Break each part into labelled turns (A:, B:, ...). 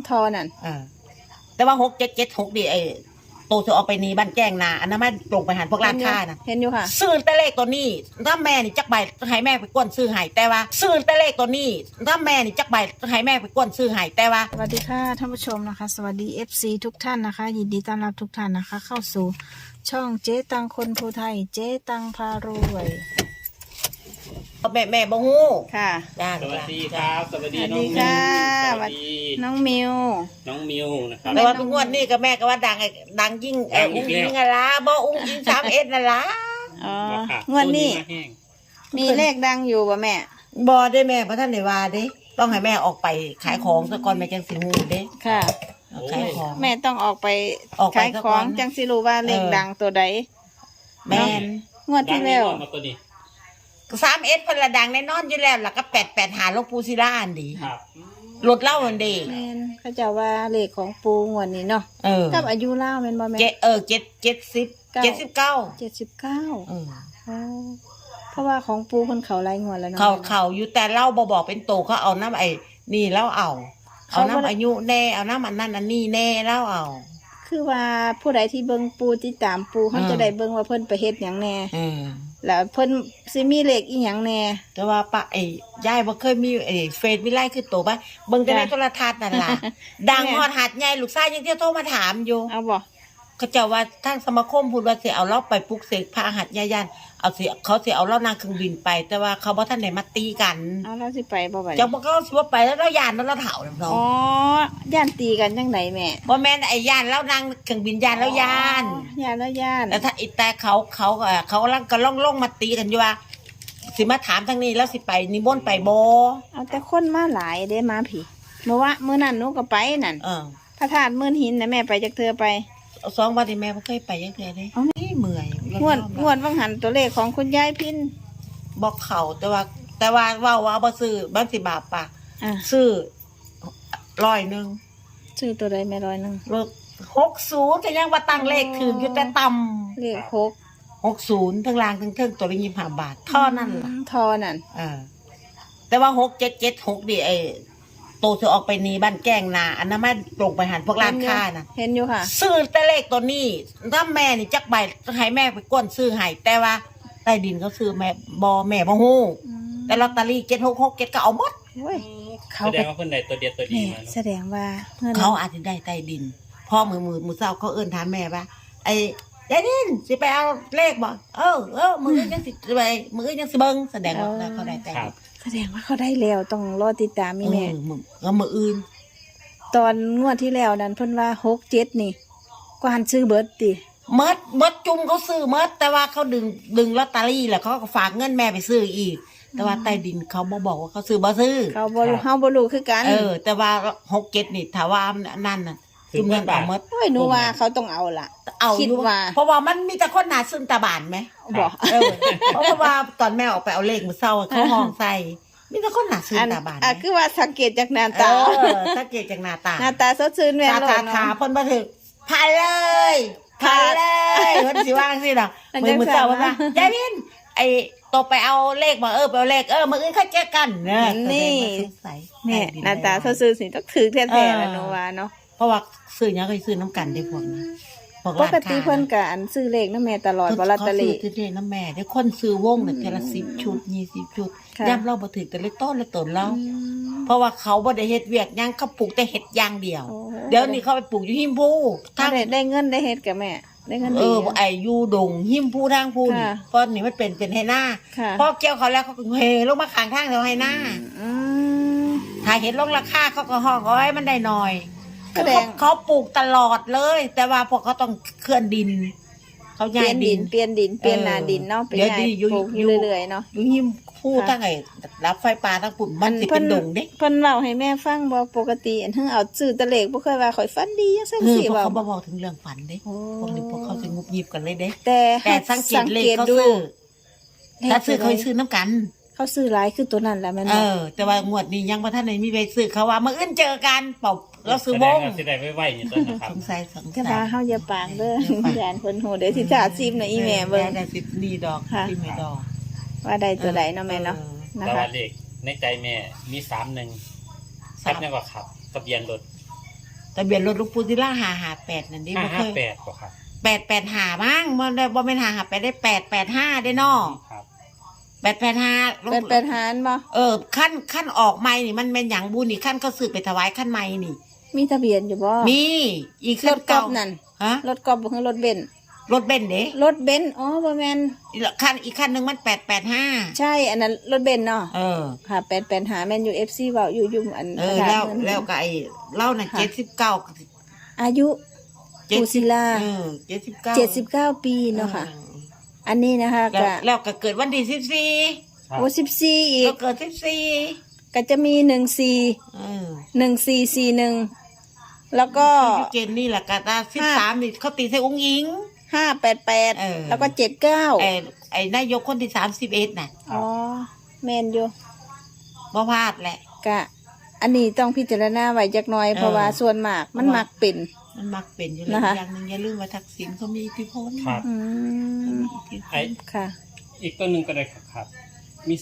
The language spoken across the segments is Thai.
A: ทอนั่น
B: แต่ว่า6776ดิโตจะออกไปนี่บ้านแจ้งนาอันนั้นมันตรงไปหันพวกร้านค้านะ
A: เห็นอยู่ค่ะ
B: ซื้อแต่เลขตัวนี้ถ้าแม่นี่จักใบให้แม่ไปกวนซื้อให้แต่ว่าซื้อแต่เลขตัวนี้ถ้าแม่นี่จักใบให้แม่ไปกวนซื้อให้แต่ว่า
A: สวัสดีค่ะท่านผู้ชมนะคะสวัสดี FC ทุกท่านนะคะยินดีต้อนรับทุกท่านนะคะเข้าสู่ช่องเจ๊ตังคนภูไทยเจ๊ตังพารวย
B: แม่บ่ฮู้
A: ค่ะ
C: สวัสดีครับสวัสดีน้องมิว
A: สวัสดีน้องมิว
C: นะครับ
B: แต่ว่าทุกงวดนี่ก็แม่ก็ว่าดังยิ่งอุ้งยิ่งอะไรบ่อุ้งยิ่ง31นั่นล่ะ
A: อ๋องวดนี้มีเลขดังอยู่ป่ะแม่
B: บ่ได้แม่เพราะท่านได้ว่าเด้ต้องให้แม่ออกไปขายของซะก่อนแม่จังสิฮู้เด้
A: ค่ะ
B: ขายของ
A: แม่ต้องออกไปขายของจังสิรู้ว่าเลขดังตัวใด
B: แม่น
A: งวดที่แล้ว
B: 31เพิ่นละดังแน่นอนอยู่แล้วล่ะก็88หาหลวงปู่ศิลาอันดี
C: ครับ
B: รถเล่าอันดี
A: แม่นเขาเจ้าว่าเลขของปู่งวดนี้เนาะกับอายุเล่าแม่นบ่แม่
B: 79
A: เพราะว่าของปู่เพิ่นเขาหลายงวดแล้วเนาะ
B: เขาอยู่แต่เล่าบ่บอกเป็นโตเขาเอาน้ำนี่แล้วเอาน้ำอายุแน่เอาน้ำอันนั้นอันนี้แน่แล้วเอา
A: คือว่าผู้ใดที่เบิ่งปู่ติดตามปู่เขาจะได้เบิ่งว่าเพิ่นไปเฮ็ดหยังแน่แล้วเพิ่นสิมีเลขอีหยังแน่
B: แต่ว่าป้ายายบ่เคยมีเฟซมีไลน์คือโตป่ะเบิ่งแต่ในโทรทัศน์นั่นล่ะดังฮอดหัดใหญ่ลูกชายยังเที่ยวโทรมาถามอยู่
A: เอาบ่
B: เขาเจ้าว่าทางสมาคมพูดว่าสิเอาเราไปปลุกเสกพระหัตถ์ย่านเขาสิเอาเรานางเครื่องบินไปแต่ว่าเขาบ่ทันได้มาตีกัน
A: เอาเราสิไปบ่ไป
B: จังบ่เขาสิว่าไปแล้วเราย่านแล้วเราเฒ่าเนาะ
A: อ๋อย่านตีกันจังไดแม่
B: บ่แม่นย่านแล้วนางเครื่องบินย่านแล้วย่าน
A: แล้วย่าน
B: แล้วถ้าแต่เขากำลังก็ล่องมาตีกันอยู่ว่าสิมาถามทางนี้แล้วสิไปนิมนต์ไปบ่
A: เอาแต่คนมาหลายเด้มาพี่เมื่อนั้นหนูก็ไปนั่นพระธาตุมื่นหินนะแม่ไปจักเทื่อไป
B: 2 วันที่แม่บ่เคยไปจักเทื่อเด้เมื่อย
A: งวดวังหันตัวเลขของคุณยายพิน
B: บอกเขาแต่ว่าว่าบ่ซื้อบ้านสิบาทปะซื้อ100
A: ซื้อตัวใดแม่100
B: เลิก60แต่ยังว่าตั้งเลขถึงอยู่แต่ต่ำ
A: เลข
B: 60ทั้งล่างทั้งเทิงตัวละ25 บาทเท่านั้นล่ะแต่ว่า6776ดิโตจะออกไปนี่บ้านแก้งนาอันนั้นมันตรงไปหันพวกร้านค้านะ
A: เห็นอยู่ค่ะ
B: ซื้อแต่เลขตัวนี้ถ้าแม่นี่จักใบให้แม่ไปก้นซื้อให้แต่ว่าใต้ดินเขาซื้อแม่บ่ฮู้แต่ลอตเตอรี่7667ก็เอาหมด
C: เขาแสดงว่าเพิ่นได้ตัวเดียวตัวดีมา
A: แสดงว่า
B: เขาอาจจะได้ใต้ดินพ่อมือเช้าเขาเอิ้นถามแม่ว่ายายดินสิไปเอาเลขบ่มือยังสิไปมือยังสิเบิ่งแสดงว่าเขาได้ใต้ดิน
A: แสดงว่าเขาได้แล้วต้องรอติดตามแม่
B: มืออื่น
A: ตอนงวดที่แล้วนั้นเพิ่นว่า67นี่กวานซื้อเบิดติ
B: เมิดจุ่มเขาซื้อเมิดแต่ว่าเขาดึงลอตเตอรี่แล้วเขาก็ฝากเงินแม่ไปซื้ออีกแต่ว่าใต้ดินเขาบอกว่าเขาซื้อบ่ซื้อ
A: เขาบ่รู้เฮาบ่รู้คือกัน
B: แต่ว่า67นี่ถ้าว่านั่นน่ะจุ่มเงินเอาเมิด
A: โอ้ยหนูว่าเขาต้องเอาล่ะ
B: คิดว่าเพราะว่ามันมีแต่คนหน้าซึ้งตาบานมั้ย
A: บ่
B: เพราะว่าตอนแม่ออกไปเอาเลขมื้อเช้าเขาห้องใส่มีแต่คนหน้าซึ้งตาบาน
A: คือว่าสังเกตจากหน้าตา
B: สังเกตจากหน้าต
A: าสดชื่นแม่น
B: เนาะตาเพิ่นบ่ถึกพาเลยเพิ่นสิว่าจังซี่ดอกมื้อเช้าว่ายายวินตกไปเอาเลขมาไปเอาเลขมื้ออื่นค่อยเจอกัน
A: นี่แม่หน้าตาสดชื่นสิต้องถือแท้ๆแล้วเนาะว่าเนาะ
B: เพราะว่าซื้อหยังก็ซื้อน้ำกันได้พวกนี้
A: ปกติเพิ่นก็ซื้อเลขนำแม่ตลอดบ่ลอตเตอรี่
B: ซื้อเลขนำแม่ได้คนซื้อวงน่ะเทื่อละ10 ชุด20 ชุดย่ำเราบ่ถึงแต่เลขต้นละตนเราเพราะว่าเขาบ่ได้เฮ็ดเวียกหยังเขาปลูกแต่เฮ็ดอย่างเดียวเดี๋ยวนี้เขาไปปลูกอยู่หิมพู
A: ถ้าได้เงินได้เฮ็ดกับแม่ได้เงินดี
B: อยู่ดงหิมพูทางพูนี่เพราะนี่มันเป็นให้หน้าพอเกี่ยวเขาแล้วเขาก็เฮลงมาข้างทางแล้วให้หน้าถ้าเห็นลงราคาเขาก็ห้องเอาไว้มันได้น้อยเขาปลูกตลอดเลยแต่ว่าพวกเขาต้องเคลื่อนดินเขาย้ายดิน
A: เปลี่ยนหน้าดินเนาะเป็นไงปลูกอยู่เรื่อยๆเนาะ
B: อยู่หิมพูตั้งไงรับไฟป่าตั้งปุ่นมันสิเป็นดงเด้
A: เพิ่นเล่าให้แม่ฟังบ่ปกติอันเฮาเอาซื้อตะเลขบ่เคยว่าข่อยฝันดีจังซั่นสิ
B: ว่าเขาบ่บอกถึงเรื่องฝันเด้พวกเขาจะงุบยิบกันเลยเด้
A: แต่
B: สังเกตเลขเขาซื้อถ้าซื้อเขาซื้อน้ำกัน
A: เขาซื้อหลายคือตัวนั้นแหละแม่
B: แต่ว่างวดนี้ยังบ่ทันได้มีใบซื้อเขาว่ามื้ออื่นเจอกันเป่าเราซื้อวง
C: สิได้ไว้ๆนี่ต้นนะครับ
B: สงสัย
A: แต่ว่าเฮาอย่าปากเด้อย่านเพิ่นโหเดี๋ยวสิถาซิมน่ะอีแม่เบิ่ง
B: ได้สิดีดอกที่แม่ดอก
A: ว่าได้ตัวใดเนาะแม่เนาะ
C: นะคะเลขในใจแม่มี31ครับยังก็ขับทะเบียนรถ
B: ทะเบียนรถหลูกปูศิลา558นั่นดิบ่เคย
C: 558บ่ครับ
B: 885มั้งบ่ได้บ่แม่น558ได้885ได้น้อ
C: ครับ
B: 885
A: เป็นหารบ่
B: ขั้นออกใหม่นี่มันเป็นหยังบุญนี่ขั้นเขาซื้อไปถวายขั้นใหม่นี่
A: มีทะเบียนอยู่บ่
B: มีอีก
A: ร
B: ขั้น
A: ถกอ
B: เก่า
A: บนั่น
B: ฮะ
A: รถกอบบ่คือรถเบนซ์
B: รถเบนซ์เด้
A: รถเบนซ์อ๋อบ่แม่น
B: อีกขั้นหนึงมัน885
A: ใช่อันนั้นรถเบนซ์เนาะ ค่ะ8หาแม่นอยู่ FC เว้าอยู่อัน
B: แล้วก็ไอ้เล่าน่ะ79
A: อายุปูศิลา
B: 79
A: ปีเนาะค่ะ อันนี้นะคะก็
B: แล้วก็เกิดวันที่14
C: ครับ
A: โอ้14อี
B: ก็
A: ก
B: เกิด14
A: ก็จะมี1441แล้วก็
B: คือเจนนี่แหละก็13นี่เขาตีใส่องค์หญิง
A: 588แล้วก็79
B: ไอ้นายกคนที่31น่ะ
A: อ๋อแม่นอยู่
B: บ่พลาดแหละ
A: ก็อันนี้ต้องพิจารณาไว้จักหน่อยเพราะว่าส่วนมากมันมักเป็น
B: มันมักเป็นอยู่แล้ว
A: นะคะ
B: อย่างหนึงอย่าลืมว่าทักษิณเขามีอิทธิพล
C: ครับ
A: อืม
C: ไอ้
A: ค่ะ
C: อีกตัวหนึงก็ได้ครับ มี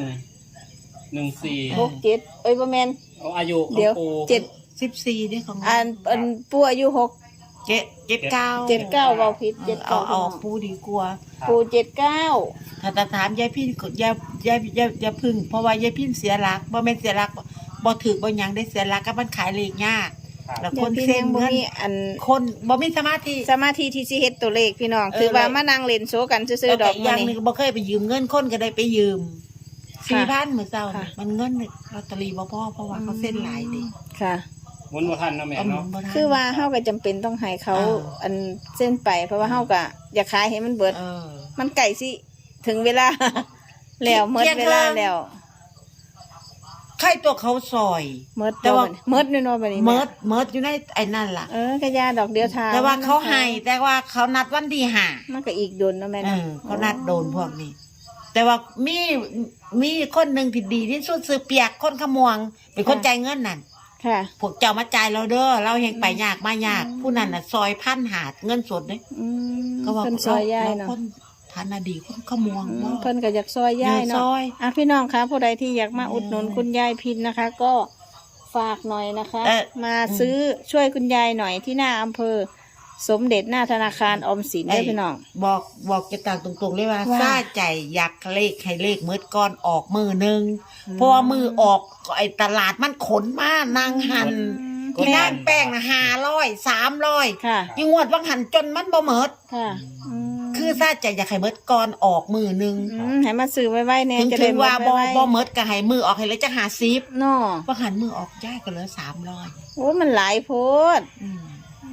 C: 3114
A: 6 7เอ้ยบ่แม่น
C: เอาอายุของ
A: เดี๋ยว
C: ปู่
B: 14เด้ของ
A: อันปู่อายุ6
B: 79
A: 79เว้าผิด
B: เอา
A: 79
B: ปูดีกว่า
A: ปู่79
B: ถ้าถามยายพี่ก็อย่าพึ่งเพราะว่ายายพี่เสียหลักบ่แม่นเสียหลักบ่ถือบ่หยังได้เสียหลักก็มันขายเลขยาก
C: ครับ
B: แล้ว
A: เดี๋
B: ค
A: ยวน พี่
B: เซ็
A: แน
B: น
A: งบ่
B: เงิน
A: มีอัน
B: คนบ่มีสมาธิ
A: สมาธิที่สิเฮ็ดตัวเลขพี่น้อง
B: เออ
A: คือว่า
B: แล้ว
A: มานั่งเล่นโซกันซื่อ
B: แล้ว
A: ๆด
B: ก็
A: อก
B: อีกอ
A: มื้
B: ย่า
A: อง
B: หนึ
A: นี้
B: งบ่เคยไปยืมเงินคนก็ได้ไปยืม
A: ค่ะ
B: 4,000มื้อเช้า
A: ค่ะ
B: นี่มันเงินลอตเตอรี่บ่พอเพราะว่าเขาเซ็นหลายเด้
A: ค่ะ
C: หมุนบ่ทันเนาะแม่
B: เอาหมุ
C: เนาะ
B: นบ่ทัน
A: คือว่าเฮาก็จำเป็นต้องให้เขา อันเส้นไป เพราะว่าเฮาก็อยากขายให้มันเบิด มันไก่สิถึงเวลา แล้วหมดเวลาแล้ว
B: ใครตัวเขาซอย
A: หมด
B: แต่ว่า
A: หมดแน่นอนบัดนี้
B: เมิ
A: แม่
B: ดอยู่ในไอ้นั่นล่ะ
A: ก็ยาดอกเดียวทา
B: แต่ว่าเขาให้แต่ว่าเขานัดวันที่ห้า
A: มันก็อีกโดนเนาะแม่
B: เอ
A: เนาะ
B: อเขานัดโดนพวกนี้ แต่ว่ามีคนหนึ่งที่ดีที่สุดซื้อเปียกคนขมวง เป็นคนจ่ายเงินนั่น
A: ค่ะ
B: พวกเจ้ามาจ่ายเราเด้อเราเฮงไปยากมายาก ผู้นั้นน่ะซอยพันหาดเงินสดเด้
A: อืม
B: ก็ว่า
A: เพิ่นซอยยาย
B: เรา
A: เนาะ
B: คนฐานะดีคนขมวง
A: อืม
B: บ่
A: เพิ่นก็อยากซอยยาย
B: ซ
A: เนาะ
B: อย
A: พี่น้องคะผู้ใดที่อยากมาอุดหนุนคุณยายพินนะคะ ก็ฝากหน่อยนะคะ มาซื้อช่วยคุณยายหน่อยที่หน้าอำเภอ สมเด็จหน้าธนาคารออมสินได้อพี่น้อง
B: บอกจะต่างตรงๆเลยว่า
A: ว่า
B: ซาใจอยากเลขให้เลขมืดก่อนออกมือหนึงเพราะว่ามือออกไอ้ตลาดมันขนมานางหัน ที่นั่นแป้งนะ500 300
A: ค่ะ
B: ยิ่งงวดว่างหันจนมันบ่เมิด
A: ค่ะม
B: คือซาใจอยากให้เมิดก่อนออกมือหนึง
A: ให้มาซื้อไว้ๆเนี่ย
B: ถึง
A: จะ
B: ถึ
A: ได้
B: ง
A: หมด
B: ว่าบ่
A: ไว้
B: บ่เมิดก็ให้มือออกให้เลยจัก50
A: เนาะ
B: ว่างหันมือออกย้ายก็เหลือ300
A: โอ้มันหลายโพด
B: อืม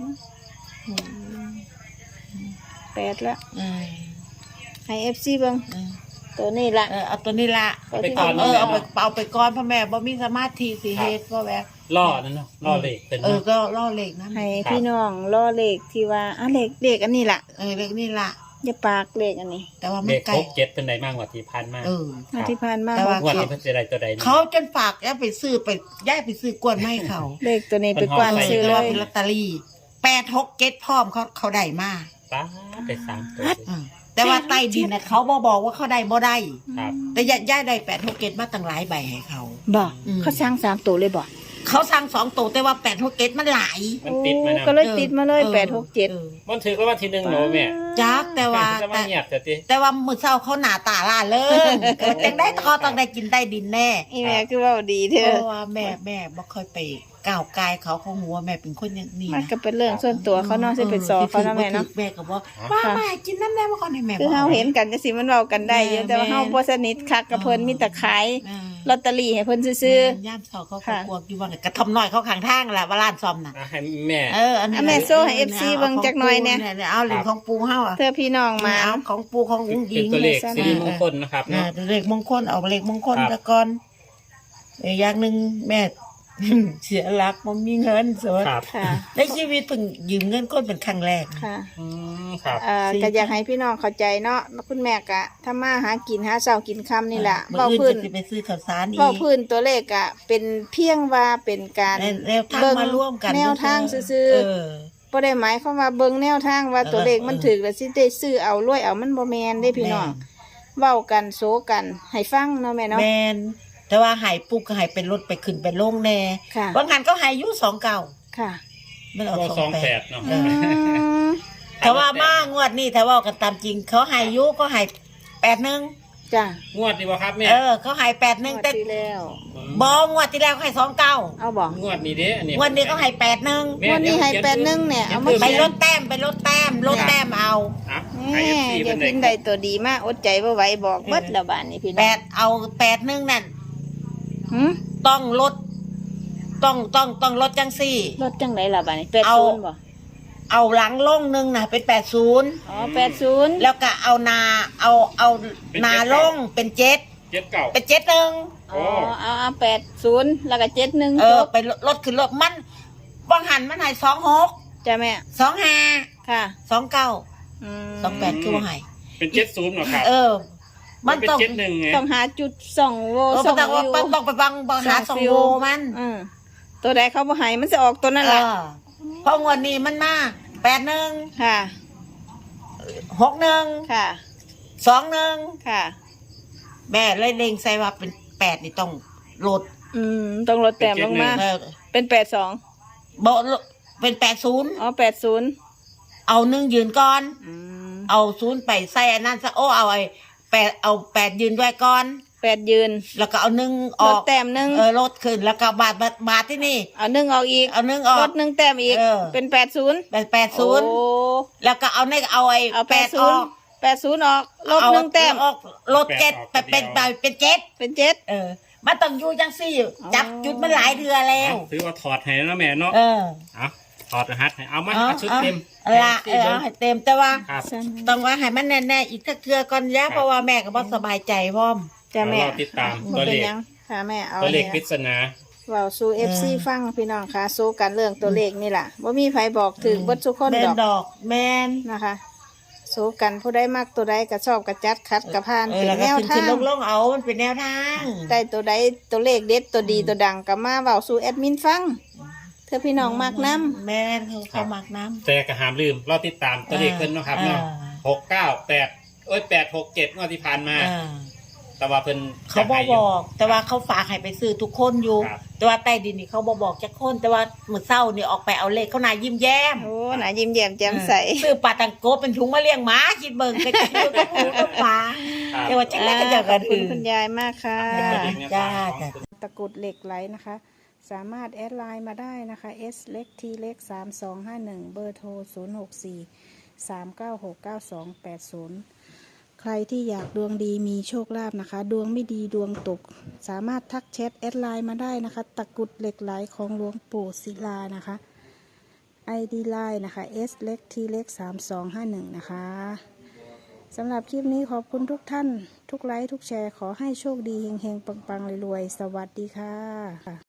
A: 8ละ
B: เออ
A: ให้ FC เบิ่ง
B: เออ
A: ตัวนี้ละ
B: เอาตัวนี้ละ
C: เอาไปก่อน
B: เอ
C: เนาะ
B: อ
C: แม่
B: เอาไป
C: เนาะ
B: ก่อนพ่อแม่บ่มีสมาธิสิเฮ็ดพ่อแม่
C: ล่อนั่นเนาะล่อเลขเป็น
B: เออ
C: เนาะ
B: ก็ล่อเลขนะ
A: ให้พี่น้องรอเลขที่ว่าเลขอันนี้ล่ะ
B: เลขนี่ละ
A: อย่าปากเลขอันนี้
B: แต่ว่ามั
C: เล
B: น
C: ข
B: ไกล
C: 6 7เป็นไดมากกว่าที่พันมาก
B: เออ
A: มาที่ผ่านมา
B: แต่ว่า
C: งวดนี้เพิ่นสิได้ตัวใดนี่
B: เขาจนฝากย้ายไปซื้อไปย้ายไปซื้อกวนไม่เขา
A: เลขตัวนี้ไปกว้าน
C: เพิ่น
A: ซื้อ
B: แต่
A: เล
B: ว่าย เป็นลอตเตอรี่8-6-7พร้อมเขาได้มา
C: ป้าไป3ตัว
B: แต่ว่าใต้ดินน่ะเขาบอกว่าเขาได้บ่ได้
C: ครับ
B: แต่ย้ายได้8-6-7มาตั้งหลายใบให้เขา
A: บ่
B: อืม
A: เขาสร้าง3ตัวเลยบ่
B: เขาสั่ง2ตัวแต่ว่า8-6-7มันหลาย
C: มันติดมานะ
A: ก็เลยติดมาเลย
B: ออ
A: 867
C: มันถือว่าที่1เนาะแม่
B: จักแต่ว่า
C: จะมาเงียบแต่ติ
B: แต่ว่ามื้อเช้าเขาหน้าตาล่าเริงเกิดจังได้เขาต้องได้กินใต้ดินแน่
A: อีแม่คือเว่าดีเด้
B: เพ
A: อ
B: ราะว่าแม่บ่ค่อยไปก้าวกายเขาหัวแม่เป็นคนอย่างนี้
A: มัน
B: นะ
A: ก็เป็นเรื่องส่วนตัวเขาเนาะสิเป็นซอเขาเนาะแม่เนาะ
B: แม่ก็บอกว่าแม่กินน้ำแน่มาก่อนให้แม่
A: คือเฮาเห็นกันจังซี่มันเว้ากันได้อยู่แต่ว่าเฮาบ่สนิทคักกับเพิ่นมีแต่ขายลอตเตอรี่ให้เพิ่นซื่อย่
B: ามเช้าเขาก็กลัวอยู่ว่าเนี่ยกระทำน้อยเขาข้างทางแหละว่าร้านซ่อมน่ะ
C: ให้แม่
B: อันนี้
A: แม่โซ่ให้ FC เบิ่งจักหน่อยเนี่ย
B: เอาเหรียญของปูเฮาอ่ะ
A: เธอพี่น้องมา
B: เอาของปูของอุ้ง
C: เป็
B: อิ
C: น
B: ง
C: ตัวเลขสิริมงคลนะครับเนาะ
B: เลขมงคลเอาเลขมงคล
C: ครับ
B: ตะก่อนอย่างหนึงแม่ เสียหลักบ่มีเงินสด
C: ครับ
A: ค่ะ
B: ในชีวิตเพิ่งยืมเงินคนเป็นครั้งแรก
A: ค่ะ
C: ครับ
A: ก็อยากให้พี่น้องเข้าใจเนาะคุณแม่ก็ถ้ามาหากินหาเช้ากินค่ำนี่แหละ
B: มื้
A: เว้า
B: อ
A: พื้
B: อื่
A: น
B: นจะไปซื้อข้าวสารอี
A: เว้าก พื้นตัวเลขอะเป็นเพียงว่าเป็นการ
B: แล้วทางมาร่วมกัน
A: แนวทางซื่อๆบ่ได้หมายความว่าเบิ่งแนวทางว่าตัวเลขมันถูกแล้วสิได้ซื้อเอารวยเอามันบ่แม่นเด้พี่น้องเว้ากันโซกันให้ฟังเนาะแม่เนาะ
B: แมนแต่ว่าหายปุ๊กก็หายเป็นรถไปขึ้นไปลงแน่
A: ค่ะ
B: บางงานก็หายอยู่29
A: ค่ะ
B: มันออก
C: ก็
B: ส
C: ส
B: อ
C: อง ง
B: แป
C: แป
B: ด
C: ดเนาะ
A: อืม
B: แต่ว่ามางวดนี้ถ้าว่ากันตามจริงเขาให้ยุก็ให้81
A: จ้ะ
C: งวดดีบ่ครับแม่
B: เขาให้81แต่
A: ที่แล้ว
B: บ่งวดที่แล้วเขาให้29
A: เอาบอก
C: งวดนี้เด้อันนี้
B: งวดนี้เขาให้81
C: แม่
A: วันนี้ให้
C: เดี๋ยว
A: 81เนี่ยเอามา
B: ไปลดแต้มลดแต้มเอา
C: อ่ะ
A: แห
C: ให้
A: ม่
C: FC
A: อย่า
C: เพิ่น
A: พิน
C: ได้
A: ใดตัวดีมากอดใจบ่ไหวบอกเบิดแล้วบ้านนี้พี่น้อง
B: 8เอา81นั่น
A: หืม
B: ต้องลดต้องลดจังซี่
A: รถจังไหนล่ะบ้านนี้
B: เอา
A: 80บ่
B: เอาหลังลงนึงน่ะเป็น80
A: อ๋อ80
B: แล้วก็เอาเอานาลงเป็น7
C: เจ็ดเก่า
B: เป็น71
A: อ๋อเอา80แล้วก็71จบ
B: ไปลดขึ้นลดมันบางหันมันให้26
A: จ้ะแม่
B: 25
A: ค่ะ
B: 29
A: อืม
B: 28คือว่าให้
C: เป็นเจ็ดศูนย์เหรอครับ
B: มัน
C: เป็น
B: ต้อง
C: เจ็ดหนึ่งไง
A: ต้องหาจุดส่องโวส่อง
B: ต้อง
A: วิว
B: ต้องไปบังหาสองโวมัน
A: อืมตัวใดเขาบ่ให้มันจะออกตัวนั่นแหละ
B: เพราะงวดนี้มันมา81
A: ค่ะ
B: 61
A: ค่ะ
B: 21
A: ค่ะ
B: แม่เลยเล็งใส่ว่าเป็น8นี่ต้องลด
A: ต้องลดแต้มลงมา
B: เออ
A: เป็น82
B: บ่เป็น80
A: อ๋อ80
B: เอา1ยืนก่อน
A: อืม
B: เอา0ไปใส่อันนั้นซะเอาไอ้8เอา8ยืนด้วยก่อน
A: 8ยืน
B: แล้วก็เอา1อ
A: ล
B: อ
A: ด
B: ก
A: แต้มหนึง
B: ลดขึ้นแล้วก็บาทที่นี่
A: เอา1ออกอีก
B: เอา1ออ
A: ล
B: ก
A: ด1แต้มอีก
B: เออ
A: เป็น80
B: 80
A: โอ้
B: แล้วก็เอาเอาไอ้
A: เอา
B: 8ออก
A: 80ออกลด
B: เอา
A: 1แต้ม
B: ออกลด7เป็น7
A: เป็น7
B: มันต้องอยู่จังซี่จับจุดมันหลายเดือนแล้ว
C: ถือว่าถอดให้แล้วแม่เนาะ เอาถอดรหัสให้เอามาเอาชุดเต็ม
B: ละให้เต็มแต่ว่า
C: ครับ
B: ต้องว่าให้มันแน่ๆอีกสักเทื่อก่อนยะเพราะว่าแม่ก็บ่สบายใจพร้อม
A: จ้ะแม่
C: เราติดตาม
A: บ่
C: ตัว
A: เป็
C: เล
A: น
C: ข
A: หยังค่ะแม่เอา
C: ตัวเลข
A: เนี่ย
C: ปริศนา
A: เว้าสู่ FC ฟังพี่น้องค่ะสู้กันเรื่องตัวเลขนี่ล่ะบ่มีไผบอกถึงเบิดทุกคน
B: แม่
A: ด
B: น
A: อก
B: ดอกแม่น
A: นะคะสู้กันผู้ใดมักตัวใดก็ชอบกระจัดคัดกระพานเป็น
B: แล้ว
A: แน
B: ก็
A: ว
B: ขึ้น
A: ทาง
B: ลงเอามันเป็นแนวทาง
A: ได้ตัวใดตัวเลขเด็ดตัวดีตัวดังก็มาเว้าสู่แอดมินฟังเธอพี่น้องมักน้ำ
B: แม่นเขามักน้ำ
C: แต่ก็ห้ามลืมเราติดตามตัวเลขเพิ่นเนาะครับเนาะ 698 งวดที่ผ่านมา แต่ว่าเพิ่น
B: เขาบอก แต่ว่าเขาฝากให้ไปซื้อทุกคนอยู่
C: ครับ
B: แต่ว่าใต้ดินนี่เขาบอกจักคน แต่ว่ามื้อเช้านี่ออกไปเอาเลขเขานายยิ้มแย้ม
A: โอ้หน่ายิ้มแย้มแจ่มใส
B: ซื้อปลาตังโกเป็นถุงมาเลี้ยงหมาคิดเบิ่งก็จะอยู่กับหมูกับหมา
C: ครับ
B: แต่ว่าจังได๋ก็จะ
A: ข
B: กั
A: อน บคุณ
B: อื่น
A: คุณยายมากค่ะ
C: เป็นตัวเลขแนวทางของ
B: จ้า
A: ตะกรุดเหล็กไหลนะคะ สามารถแอดไลน์มาได้นะคะ S เล็ก T เล็ก3251 เบอร์โทร 064 3969280 ใครที่อยากดวงดีมีโชคลาภนะคะ ดวงไม่ดีดวงตก สามารถทักแชทแอดไลน์มาได้นะคะ ตะกรุดเหล็กไหลของหลวงปู่ศิลานะคะ ID ไลน์นะคะ S เล็ก T เล็ก3251 นะคะสำหรับคลิปนี้ขอบคุณทุกท่าน ทุกไลค์ทุกแชร์ขอให้โชคดีเฮงๆปังๆรวยๆสวัสดีค่ะ